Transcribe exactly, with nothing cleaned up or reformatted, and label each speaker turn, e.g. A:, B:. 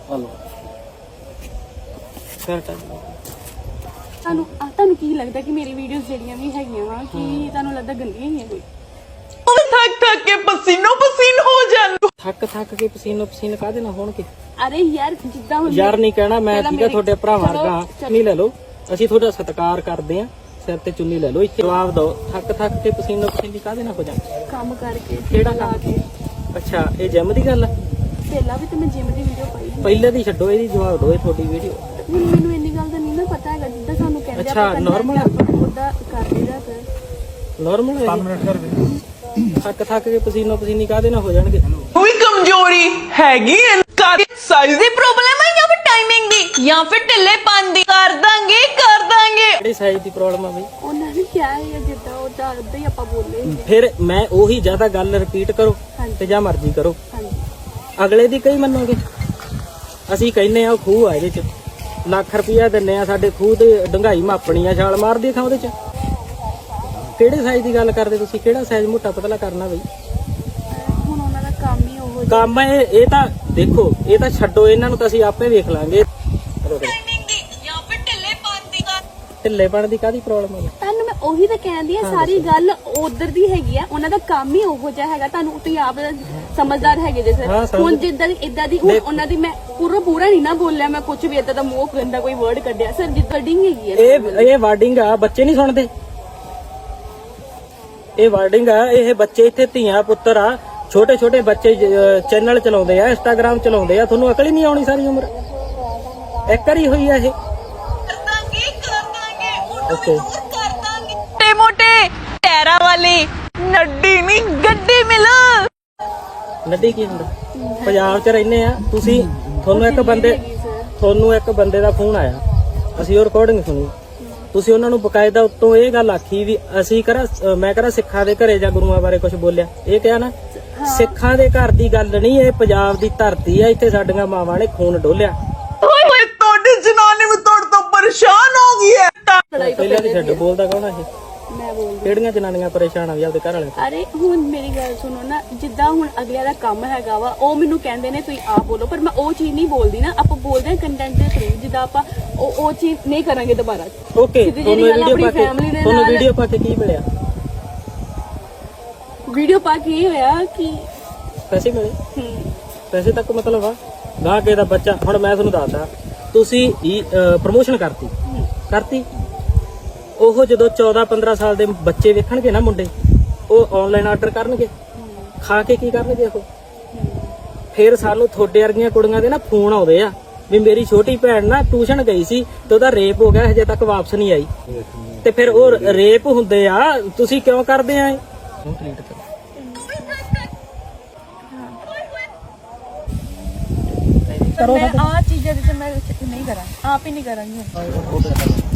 A: Hello ਫਿਰ time
B: ਤੁਹਾਨੂੰ ਤੁਹਾਨੂੰ ਕੀ ਲੱਗਦਾ ਕਿ ਮੇਰੀ ਵੀਡੀਓਜ਼ ਜਿਹੜੀਆਂ ਵੀ ਹੈਗੀਆਂ ਵਾ ਕਿ ਤੁਹਾਨੂੰ ਲੱਗਦਾ ਗੰਦੀਆਂ ਹੀ ਆ ਕੋਈ?
C: थक थक के पसीनो पसीन हो जान
A: ਥੱਕ ਥੱਕ ਕੇ ਪਸੀਨੋ ਪਸੀਨ ਕਾਹਦੇ ਨਾਲ ਹੋਣਗੇ?
B: ਅਰੇ ਯਾਰ ਜਿੱਦਾਂ ਹੁਣ
A: ਯਾਰ ਨਹੀਂ ਕਹਿਣਾ ਮੈਂ
B: ਪਹਿਲਾਂ
A: ਠੀਕਾ
B: ਮੇਰੀ-
A: ਤੁਹਾਡੇ ਭਰਾਵਾਂ
B: ਚਲੋ,
A: ਵਰਗਾ
B: ਚਲੋ।
A: ਨਹੀਂ ਲੈ ਲਓ, ਅਸੀਂ ਤੁਹਾਡਾ ਸਤਿਕਾਰ ਕਰਦੇ ਆਂ, ਸਿਰ ਤੇ ਚੁੰਨੀ ਲੈ ਲਓ। ਇੱਥੇ ਜਵਾਬ ਦਿਓ, ਥੱਕ ਥੱਕ ਕੇ ਪਸੀਨੋ ਪਸੀਨੀ ਕਾਹਦੇ ਨਾਲ ਹੋ ਜਾਂਦੇ?
B: ਕੰਮ ਕਰਕੇ
A: ਕਿਹੜਾ
B: ਲਾ
A: ਕੰਮ?
B: ਕੇ
A: ਅੱਛਾ ਇਹ ਜਿਮ ਦੀ ਗੱਲ ਆ?
B: ਪਹਿਲਾਂ ਵੀ ਤੇ ਮੈਂ ਜਿਮ ਦੀ ਵੀਡੀਓ ਪਾਈ ਸੀ।
A: ਪਹਿਲੇ ਦੀ ਛੱਡੋ, ਇਹਦੀ ਜਵਾਬ ਦਿਓ। ਇਹ ਤੁਹਾਡੀ ਵੀਡੀਓ
B: ਹੁਣ ਮੈਨੂੰ ਇੰਨੀ ਗੱਲ ਦਾ ਨਹੀਂ ਨਾ ਪਤਾ ਹੈਗਾ ਜਿੱਦਾਂ ਸਾਨੂੰ ਕਹਿੰਦੇ
A: ਅੱਛਾ, normal ਆ?
B: ਉਹਦਾ ਕਰ ਲਈਦਾ ਫਿਰ
A: ਨਾਰਮਲ ਹੈ? ਥੱਕ ਥੱਕ ਕੇ ਪਸੀਨੋ ਪਸੀਨੀ ਕਾਹਦੇ ਨਾਲ ਹੋ ਜਾਣਗੇ?
C: कोई कमजोरी हैगी साइज दी प्रॉब्लम है या फिर टाइमिंग दी या फिर ढिल्लेपन दी कर दांगे कर दांगे
A: ਕਿਹੜੀ ਸਾਈਜ਼ ਦੀ ਪ੍ਰੋਬਲਮ ਆ ਬਈ?
B: ਉਹਨਾਂ ਨੇ ਕਿਹਾ ਹੈ ਜਿੱਦਾਂ ਉਹਦਾ ਉਦਾਂ ਹੀ ਆਪਾਂ ਬੋਲੇ ਸੀ।
A: ਫਿਰ ਮੈਂ ਉਹੀ ਜ਼ਿਆਦਾ ਗੱਲ ਰਿਪੀਟ ਕਰੋ
B: ਹਾਂਜੀ।
A: ਤੇ ਜਾਂ ਮਰਜ਼ੀ ਕਰੋ,
B: ਹਾਂਜੀ
A: ਅਗਲੇ ਦੀ ਕਈ ਮੰਨੋਗੇ? ਅਸੀਂ ਕਹਿੰਨੇ ਆ ਉਹ ਖੂਹ ਆ, ਇਹਦੇ ਚ ਲੱਖ ਰੁਪਇਆ ਦਿੰਨੇ ਆ, ਸਾਡੇ ਖੂਹ ਤੇ ਡੰਗਾਈ ਮਾਪਣੀ ਆ, ਛਾਲ ਮਾਰਦੀ ਥਾਂ ਉਹਦੇ ਚ। ਕਿਹੜੇ ਸਾਈਜ਼ ਦੀ ਗੱਲ ਕਰਦੇ ਤੁਸੀਂ? ਕਿਹੜਾ ਸਾਈਜ਼ ਮੋਟਾ ਪਤਲਾ ਕਰਨਾ ਬਈ?
B: ਹੁਣ ਉਹਨਾਂ ਦਾ ਕੰਮ ਹੀ ਉਹੋ ਜਿਹਾ।
A: ਕੰਮ ਇਹ ਇਹ ਤਾਂ ਦੇਖੋ, ਇਹ ਤਾਂ ਛੱਡੋ, ਇਹਨਾਂ ਨੂੰ ਤਾਂ ਅਸੀਂ ਆਪੇ ਵੇਖ ਲਾਂਗੇ।
C: टाइमिंग दी या फिर ढिल्लेपन दी
A: ਢਿੱਲੇਪਣ ਦੀ ਕਾਹਦੀ ਪ੍ਰੋਬਲਮ ਹੈ?
B: ਤੁਹਾਨੂੰ ਮੈਂ ਉਹੀ ਤਾਂ ਕਹਿੰਦੀ ਆ, ਸਾਰੀ ਗੱਲ ਉਧਰ ਦੀ ਹੈਗੀ ਆ, ਉਹਨਾਂ ਦਾ ਕੰਮ ਹੀ ਉਹੋ ਜਿਹਾ ਹੈਗਾ। ਤੁਹਾਨੂੰ ਤੁਸੀਂ ਆਪ ਸਮਝਦਾਰ ਹੈਗੇ ਜੇ
A: ਹਾਂ,
B: ਸਰ।
A: ਸਮਝ-
B: ਹੁਣ ਜਿੱਦਾਂ ਦੀ ਇਦਾਂ ਦੀ ਹੁਣ ਉਹਨਾਂ ਦੀ ਮੈਂ ਪੂਰਾ ਪੂਰਾ ਨਹੀਂ ਨਾ ਬੋਲਿਆ, ਮੈਂ ਕੁਝ ਵੀ ਇਦਾਂ ਦਾ ਮੂੰਹ ਗੰਦਾ ਕੋਈ ਵਰਡ ਕੱਢਿਆ ਸਰ, ਜਿੱਦਾਂ ਡਿੰਗ ਹੈਗੀ ਆ।
A: ਇਹ ਇਹ ਵਾਰਡਿੰਗ ਆ, ਬੱਚੇ ਨਹੀਂ ਸੁਣਦੇ। ਇਹ ਵਾਰਡਿੰਗ ਆ, ਇਹ ਬੱਚੇ ਇੱਥੇ ਧੀਆਂ ਪੁੱਤਰ ਆ, ਛੋਟੇ ਛੋਟੇ ਬੱਚੇ ਚੈਨਲ ਚਲਾਉਂਦੇ ਆ, ਇੰਸਟਾਗ੍ਰਾਮ ਚਲਾਉਂਦੇ ਆ, ਤੁਹਾਨੂੰ ਅਕਲ ਹੀ ਨਹੀਂ ਆਉਣੀ ਸਾਰੀ ਉਮਰ? ਇੱਕ ਵਾਰੀ ਹੋਈ ਆ ਇਹ?
C: कर दांगे कर दांगे
A: ਓਕੇ
C: कर दांगे मोटे मोटे टैरा वाली नड्डी नहीं गड्डी मिल
A: ਨੱਡੀ ਕੀ ਹੁੰਦਾ? ਪੰਜਾਬ 'ਚ ਰਹਿੰਦੇ ਆ ਤੁਸੀਂ, ਤੁਹਾਨੂੰ ਇੱਕ ਬੰਦੇ
B: ਹੈਗੀ ਸਰ।
A: ਤੁਹਾਨੂੰ ਇੱਕ ਬੰਦੇ ਦਾ ਫੋਨ ਆਇਆ, ਅਸੀਂ ਉਹ ਰਿਕਾਰਡਿੰਗ ਸੁਣੀ, ਤੁਸੀਂ ਉਹਨਾਂ ਨੂੰ ਬਕਾਇਦਾ ਉੱਤੋਂ ਇਹ ਗੱਲ ਆਖੀ ਵੀ ਅਸੀਂ ਕਰਾ ਮੈਂ ਕਰਾ ਸਿੱਖਾਂ ਦੇ ਘਰੇ ਜਾਂ ਗੁਰੂਆਂ ਬਾਰੇ ਕੁਝ ਬੋਲਿਆ? ਇਹ ਕਿਹਾ ਨਾ, ਸਿੱਖਾਂ ਦੇ ਘਰ ਦੀ ਗੱਲ ਨਹੀਂ, ਇਹ ਪੰਜਾਬ ਦੀ ਧਰਤੀ ਆ, ਇੱਥੇ ਸਾਡੀਆਂ ਮਾਵਾਂ ਨੇ ਖੂਨ ਡੋਲਿਆ।
C: तोड़ी जनानी में तोड़ तो परेशान हो गई है
B: ਲੜਾਈ ਤੋਂ
A: ਪਹਿਲਾਂ ਦੀ
B: ਪਹਿਲੇ
A: ਛੱਡ, ਬੋਲਦਾ ਕੌਣ ਆ ਇਹ?
B: ਮੈਂ ਬੋਲਦੀ।
A: ਕਿਹੜੀਆਂ ਜਨਾਨੀਆਂ ਪਰੇਸ਼ਾਨ ਆ ਵੀ ਆਪਦੇ ਘਰ ਵਾਲੇ ਤੋਂ?
B: ਅਰੇ ਹੁਣ ਮੇਰੀ ਗੱਲ ਸੁਣੋ ਨਾ, ਜਿੱਦਾਂ ਹੁਣ ਅਗਲਿਆਂ ਦਾ ਕੰਮ ਹੈਗਾ ਵਾ, ਉਹ ਮੈਨੂੰ ਕਹਿੰਦੇ ਨੇ ਤੁਸੀਂ ਆਪ ਬੋਲੋ, ਪਰ ਮੈਂ ਉਹ ਚੀਜ਼ ਨਹੀਂ ਬੋਲਦੀ ਨਾ। ਆਪਾਂ ਬੋਲਦੇ ਹਾਂ ਕੰਟੈਂਟ ਦੇ ਥਰੂ, ਜਿੱਦਾਂ ਆਪਾਂ ਉਹ ਉਹ ਚੀਜ਼ ਨਹੀਂ ਕਰਾਂਗੇ ਦੁਬਾਰਾ।
A: ਓਕੇ,
B: ਸਿੱਧੀ
A: ਤੁਹਾਨੂੰ
B: ਜਿਹੀ ਗੱਲ
A: ਵੀਡੀਓ ਪਾ
B: ਆਪਣੀ
A: ਕੇ
B: family ਦੇ
A: ਤੁਹਾਨੂੰ
B: ਨਾਲ-
A: ਵੀਡੀਓ ਪਾ ਕੇ ਕੀ ਮਿਲਿਆ?
B: ਵੀਡੀਓ ਪਾ ਕੇ ਇਹ ਹੋਇਆ ਕਿ
A: ਪੈਸੇ ਮਿਲੇ?
B: ਹਮ,
A: ਪੈਸੇ ਤੱਕ ਮਤਲਬ ਆ ਗਾਹ ਕੇ ਦਾ ਬੱਚਾ। ਹੁਣ ਮੈਂ ਤੁਹਾਨੂੰ ਦੱਸਦਾ, ਤੁਸੀਂ ਪ੍ਰਮੋਸ਼ਨ ਕਰਤੀ ਕਰਤੀ ਉਹ ਜਦੋਂ ਚੌਦਾਂ ਪੰਦਰਾਂ ਸਾਲ ਦੇ ਬੱਚੇ ਵੇਖਣਗੇ ਨਾ ਮੁੰਡੇ, ਉਹ ਆਨਲਾਈਨ ਆਰਡਰ ਕਰਨਗੇ, ਖਾ ਕੇ ਕੀ ਕਰਨਗੇ ਉਹ? ਫਿਰ ਸਾਨੂੰ ਤੁਹਾਡੇ ਵਰਗੀਆਂ ਕੁੜੀਆਂ ਦੇ ਨਾ ਫੋਨ ਆਉਂਦੇ ਆ ਵੀ ਮੇਰੀ ਛੋਟੀ ਭੈਣ ਨਾ ਟਿਊਸ਼ਨ ਗਈ ਸੀ ਤੇ ਉਹਦਾ ਰੇਪ ਹੋ ਗਿਆ, ਹਜੇ ਤੱਕ ਵਾਪਸ ਨਹੀਂ ਆਈ। ਤੇ ਫਿਰ ਉਹ ਰੇਪ ਹੁੰਦੇ ਆ, ਤੁਸੀਂ ਕਿਉਂ ਕਰਦੇ ਆ ਇਹ?
B: ਪਰ ਮੈਂ ਆ ਚੀਜ਼ਾਂ ਦੇ ਤੇ ਮੈਂ ਨਹੀਂ ਕਰਾਂ, ਆਪ ਹੀ ਨਹੀਂ ਕਰਾਂਗੀ।